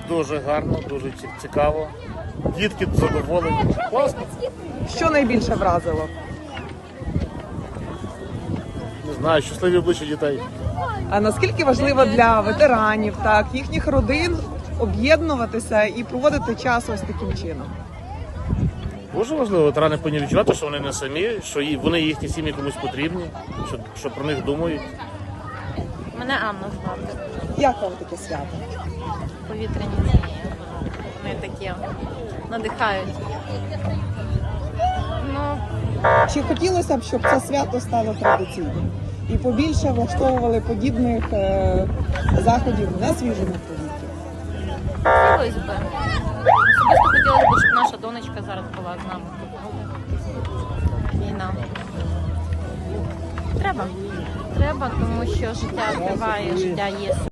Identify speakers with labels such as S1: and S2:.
S1: Дуже гарно, дуже цікаво. Дітки задоволені. Класно.
S2: Що найбільше вразило?
S1: Не знаю, щасливі обличчя дітей.
S2: А наскільки важливо для ветеранів, так, їхніх родин об'єднуватися і проводити час ось таким чином?
S1: Дуже важливо, ветерани повинні відчувати, що вони не самі, що вони їхні сім'ї комусь потрібні, що про них думають.
S3: Мене Анна звати.
S2: Як вам таке свято?
S3: Повітряні змії. Вони такі надихають. Ну,
S2: Чи хотілося б, щоб це свято стало традиційним і побільше влаштовували подібних заходів на свіжому повітрі?
S3: хотілося б. Особисто хотілося б, щоб наша донечка зараз була з нами. Війна. Треба. Треба, тому що життя триває, життя є.